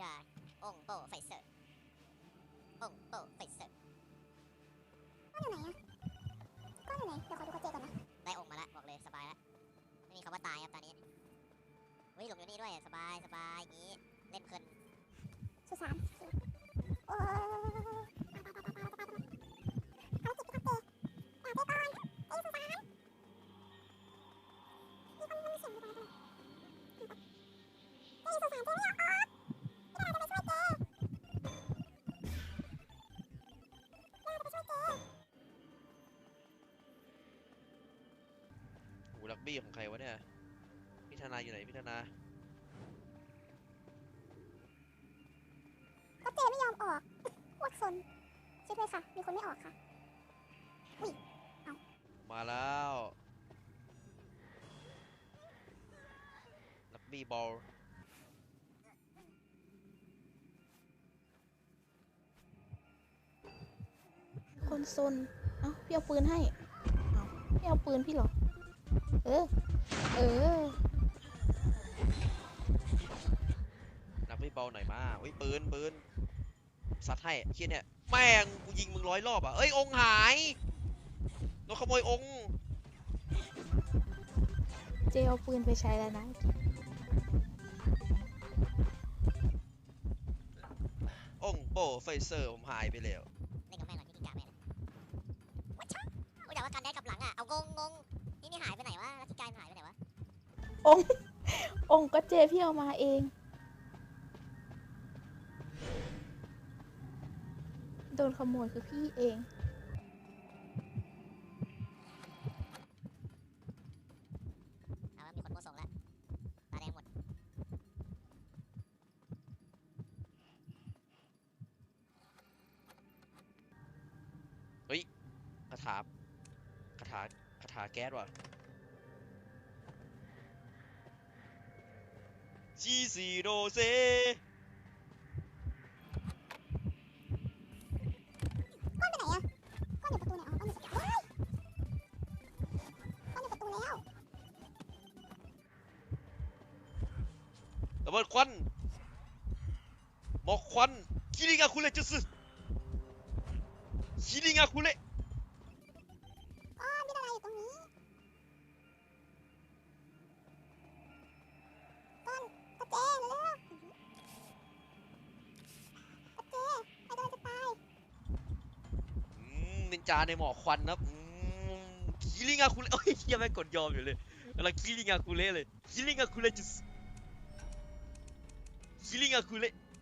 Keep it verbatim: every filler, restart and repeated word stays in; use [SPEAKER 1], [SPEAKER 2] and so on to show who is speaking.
[SPEAKER 1] าองโปไฟเซอร์องโปไฟเซอร์ก้อนอยู่ไหนอะก้อนอยู่ไหนเดี๋ยวขอดูกระเจก่อนนะได้องมาละบอกเลยสบายละไม่มีคำว่าตายครับตอนนี้เฮ้ยหลงอยู่นี่ด้วยสบายสบายอย่างนี้เล่นเพลินสุสานโอ้
[SPEAKER 2] ลักบี้ของใครวะเนี่ยพี่ธนาอยู่ไหนพี่ธนา
[SPEAKER 1] ก็เจไม่ยอมออกโคตรซนช่วยด้วยค่ะมีคนไม่ออกค่ะอุ้ยเอา
[SPEAKER 2] มาแล้วลักบี้บอล
[SPEAKER 3] คนซนเอ้าพี่เอาปืนให้เอ้าพี่เอาปืนพี่หรอเออ เออ
[SPEAKER 2] นักไม่เบาหน่อยมาอุ้ยปืนปืนซัดให้เคียเนี่ยแม่งกูยิงมึงร้อยรอบอ่ะเอ้ยองหายโดนขโมยอง
[SPEAKER 3] เจเอาปืนไปใช้แล้วนะ
[SPEAKER 2] องโปไฟเซอร์ผมหายไปแล้ว
[SPEAKER 1] เล่นกับแม่หน่อยที่กินกาแม่เลยวัชชะโอ้ยแต่ว่าการได้กับหลังอ่ะเอางงงงนี่นี่หายไปไหนวะแล้วที่กายหายไปไหนวะ
[SPEAKER 3] ององก็เจพี่เอามาเองโดนขโมยคือพี่เอง
[SPEAKER 1] เอาว่ามีคนโมส่งแล้วตาแดงหมด
[SPEAKER 2] เฮ้ยคาถาคาถาคาถาแก๊สว่ะจีซีโดเซ
[SPEAKER 1] ก้อนไปไหนอะก้อนอยู่ประตูไหนอ๋อก้อนอยู่ประตูว้ายก้อนอยู่ประตูแล้ว
[SPEAKER 2] ระเบิดควันหมอกควันคิริงาคุเรจุสึคิริงาคุเร
[SPEAKER 1] ก้อนมีอะไรอยู่ตรงนี้ก้อนกระเจเร็วกระเจไอ้โดนจะตาย
[SPEAKER 2] อืมนินจาในหมอกควันนะอืมคิริงาคุเรโอ้ยยังไม่กดยอมอยู่เลยกำลังคิริงาคุเรเลยคิริงาคุเรจุสึคิริงาคุเร